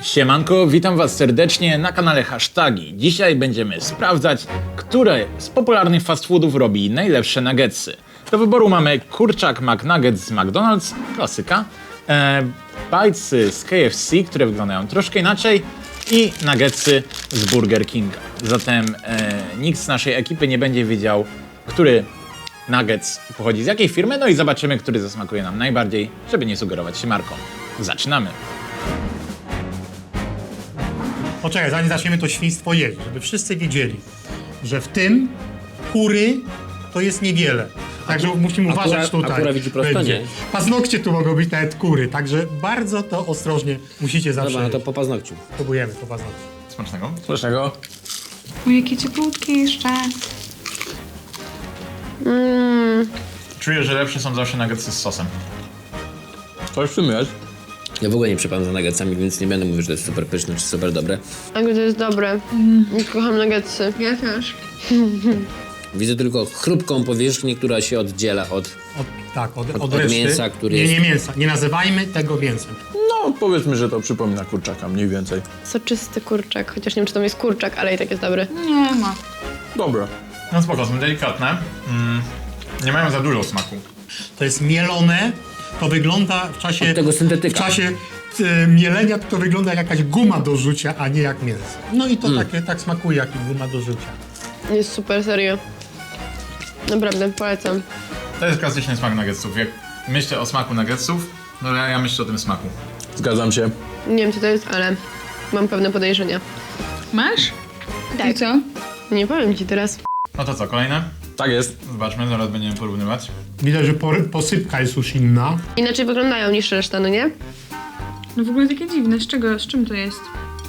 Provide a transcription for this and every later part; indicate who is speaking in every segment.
Speaker 1: Siemanko, witam was serdecznie na kanale Hashtagi. Dzisiaj będziemy sprawdzać, które z popularnych fast foodów robi najlepsze nuggetsy. Do wyboru mamy kurczak McNuggets z McDonald's, klasyka, bitesy z KFC, które wyglądają troszkę inaczej i nuggetsy z Burger Kinga. Zatem nikt z naszej ekipy nie będzie wiedział, który nuggets pochodzi z jakiej firmy, no i zobaczymy, który zasmakuje nam najbardziej, żeby nie sugerować się marką. Zaczynamy!
Speaker 2: Poczekaj, zanim zaczniemy to świństwo jeść, żeby wszyscy wiedzieli, że w tym kury to jest niewiele. Także musimy uważać tutaj.
Speaker 3: Akurat widzi prosto,
Speaker 2: będzie.
Speaker 3: nie?
Speaker 2: Paznokcie tu mogą być nawet kury, także bardzo to ostrożnie musicie zawsze
Speaker 3: Dobra, no to
Speaker 2: jeść.
Speaker 3: po paznokciu.
Speaker 2: Próbujemy po paznokcie.
Speaker 1: Smacznego.
Speaker 3: Smacznego.
Speaker 4: O, jakie cieplutkie jeszcze.
Speaker 1: Czuję, że lepsze są zawsze nuggetsy z sosem.
Speaker 3: Coś w tym jest. Ja w ogóle nie przepadam za nuggetsami, więc nie będę mówił, że to jest super pyszne czy super dobre.
Speaker 5: Tak, to jest dobre. Kocham nuggetsy.
Speaker 4: Ja też.
Speaker 3: Widzę tylko chrupką powierzchnię, która się oddziela od...
Speaker 2: Od
Speaker 3: od
Speaker 2: reszty.
Speaker 3: mięsa, który
Speaker 2: nie,
Speaker 3: jest-
Speaker 2: nie mięsa. Nie nazywajmy tego mięsem.
Speaker 6: No, powiedzmy, że to przypomina kurczaka, mniej więcej.
Speaker 5: Soczysty kurczak, chociaż nie wiem, czy to jest kurczak, ale i tak jest dobry.
Speaker 4: Nie ma.
Speaker 6: Dobra.
Speaker 1: No spoko, są delikatne. Nie mają za dużo smaku.
Speaker 2: To jest mielone, to wygląda w czasie...
Speaker 3: Od tego syntetyka.
Speaker 2: W czasie mielenia to wygląda jak jakaś guma do rzucia, a nie jak mięso. No i to tak smakuje jak guma do rzucia.
Speaker 5: Jest super, serio. Naprawdę, polecam.
Speaker 1: To jest klasyczny smak nuggetsów. Jak myślę o smaku nuggetsów, no ja myślę o tym smaku.
Speaker 6: Zgadzam się.
Speaker 5: Nie wiem, co to jest, ale mam pewne podejrzenia.
Speaker 4: Masz?
Speaker 5: Tak.
Speaker 4: I co?
Speaker 5: Nie powiem ci teraz.
Speaker 1: No to co, kolejne?
Speaker 6: Tak jest.
Speaker 1: Zobaczmy, zaraz będziemy porównywać.
Speaker 2: Widać, że posypka jest już inna.
Speaker 5: Inaczej wyglądają niż reszta, no nie?
Speaker 4: No w ogóle takie dziwne. Z czym to jest?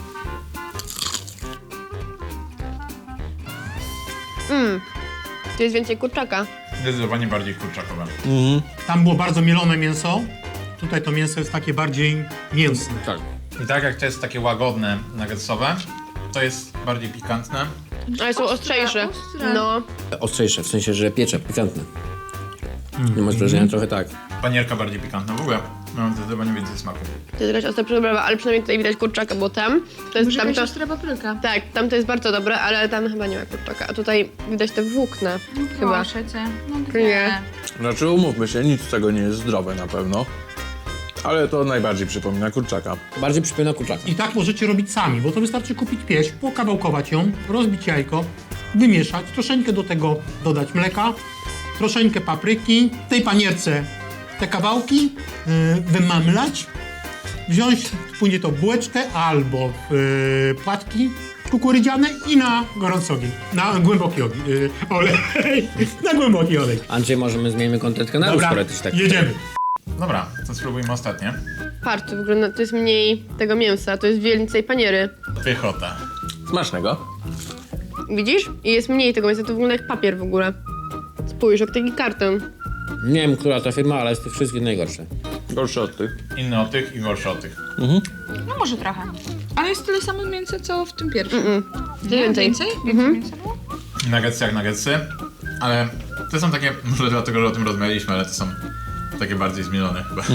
Speaker 5: Tu jest więcej kurczaka.
Speaker 1: Zdecydowanie bardziej kurczakowe.
Speaker 2: Tam było bardzo mielone mięso. Tutaj to mięso jest takie bardziej mięsne.
Speaker 3: Tak.
Speaker 1: I tak jak to jest takie łagodne nuggetsowe, to jest bardziej pikantne.
Speaker 5: Ale są ostrzejsze.
Speaker 4: ostre.
Speaker 5: No.
Speaker 3: Ostrzejsze, w sensie, że piecze, pikantne. Nie masz wrażenia? Trochę tak.
Speaker 1: Panierka bardziej pikantna. W ogóle mam zdecydowanie więcej smaku.
Speaker 5: To jest jakaś ostra przyprawa, ale przynajmniej tutaj widać kurczaka, bo tam to jest
Speaker 4: Może jakaś
Speaker 5: tamto.
Speaker 4: ostra papryka.
Speaker 5: Tak, tam to jest bardzo dobre, ale tam chyba nie ma kurczaka. A tutaj widać te włókna. Chyba.
Speaker 4: Proszę cię. No
Speaker 5: Nie.
Speaker 6: Znaczy, umówmy się, nic z tego nie jest zdrowe na pewno. Ale to najbardziej przypomina kurczaka.
Speaker 3: Bardziej przypomina kurczaka.
Speaker 2: I tak możecie robić sami, bo to wystarczy kupić pieśń, pokawałkować ją, rozbić jajko, wymieszać, troszeczkę do tego dodać mleka, troszeczkę papryki, w tej panierce te kawałki wymamlać, wziąć później to bułeczkę albo płatki kukurydziane i na gorący ogień, na głęboki ogień, olej, na głęboki olej.
Speaker 3: Andrzej, możemy zmienimy kontent kanału,
Speaker 2: Dobra,
Speaker 3: skoro tyś tak...
Speaker 2: jedziemy.
Speaker 1: Dobra, to spróbujmy ostatnie.
Speaker 5: Patrz, to wygląda, to jest mniej tego mięsa, to jest więcej paniery.
Speaker 1: Pychota.
Speaker 6: Smacznego.
Speaker 5: Widzisz? I jest mniej tego mięsa, to wygląda jak papier w ogóle. Spójrz, jak taki karton.
Speaker 3: Nie wiem, która to firma, ale z tych wszystkich najgorsze.
Speaker 6: Gorszy od tych.
Speaker 1: Inny od tych i gorszy od tych.
Speaker 4: No może trochę. Ale jest tyle samo mięsa, co w tym pierwszym.
Speaker 5: To więcej.
Speaker 4: Więcej? Więcej mięsa było?
Speaker 1: Nuggetsy jak nuggetsy, ale to są takie, może dlatego, że o tym rozmawialiśmy, ale to są takie bardziej zmielone chyba.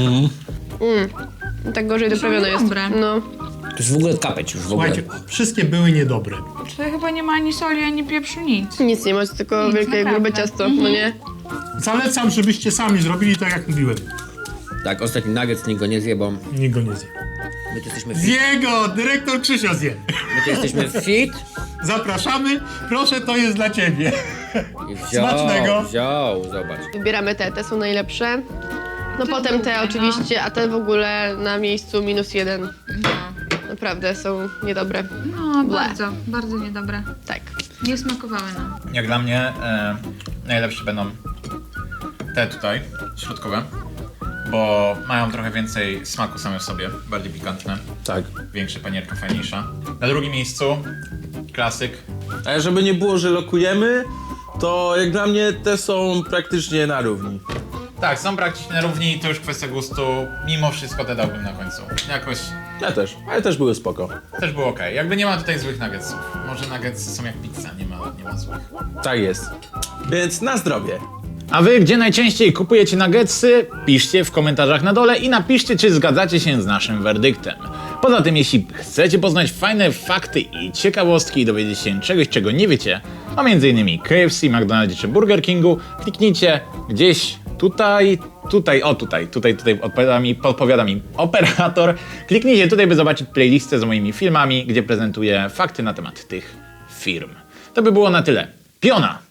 Speaker 5: Tak gorzej doprawione jest.
Speaker 4: dobre.
Speaker 5: No.
Speaker 3: To jest w ogóle kapeć już w ogóle.
Speaker 2: Słuchajcie, wszystkie były niedobre.
Speaker 4: Tutaj chyba nie ma ani soli, ani pieprzu, nic.
Speaker 5: Nic nie ma, tylko
Speaker 4: Nic,
Speaker 5: wielkie,
Speaker 4: naprawdę.
Speaker 5: grube ciasto, no nie?
Speaker 2: Zalecam, żebyście sami zrobili tak, jak mówiłem.
Speaker 3: Tak, ostatni nugget, nikt go nie zje, bo
Speaker 2: Nikt go nie zje.
Speaker 3: my tu jesteśmy fit.
Speaker 2: Zje go! Dyrektor Krzysio zje.
Speaker 3: My tu jesteśmy fit.
Speaker 2: Zapraszamy, proszę, to jest dla ciebie.
Speaker 3: I
Speaker 2: Smacznego.
Speaker 3: wziął, zobacz.
Speaker 5: Wybieramy te są najlepsze. No potem te oczywiście, a te w ogóle na miejscu -1. Naprawdę są niedobre.
Speaker 4: No,
Speaker 5: Ble.
Speaker 4: bardzo niedobre.
Speaker 5: Tak.
Speaker 4: Nie smakowały nam.
Speaker 1: Jak dla mnie najlepsze będą te tutaj, środkowe, bo mają trochę więcej smaku same w sobie, bardziej pikantne,
Speaker 6: Tak.
Speaker 1: większa panierka, fajniejsza. Na drugim miejscu klasyk.
Speaker 6: A żeby nie było, że lokujemy, to jak dla mnie te są praktycznie na równi.
Speaker 1: Tak, są praktycznie na równi, to już kwestia gustu. Mimo wszystko te dałbym na końcu. Jakoś
Speaker 6: Ja też, ale też były spoko.
Speaker 1: też było ok. Jakby nie ma tutaj złych nuggetsów. Może nuggetsy są jak pizza, nie ma złych.
Speaker 6: Tak jest. Więc na zdrowie.
Speaker 1: A wy gdzie najczęściej kupujecie nuggetsy? Piszcie w komentarzach na dole i napiszcie, czy zgadzacie się z naszym werdyktem. Poza tym, jeśli chcecie poznać fajne fakty i ciekawostki i dowiedzieć się czegoś, czego nie wiecie, a m.in. KFC, McDonald's czy Burger Kingu, kliknijcie gdzieś tutaj podpowiada mi operator. Kliknijcie tutaj, by zobaczyć playlistę z moimi filmami, gdzie prezentuję fakty na temat tych firm. To by było na tyle. Piona!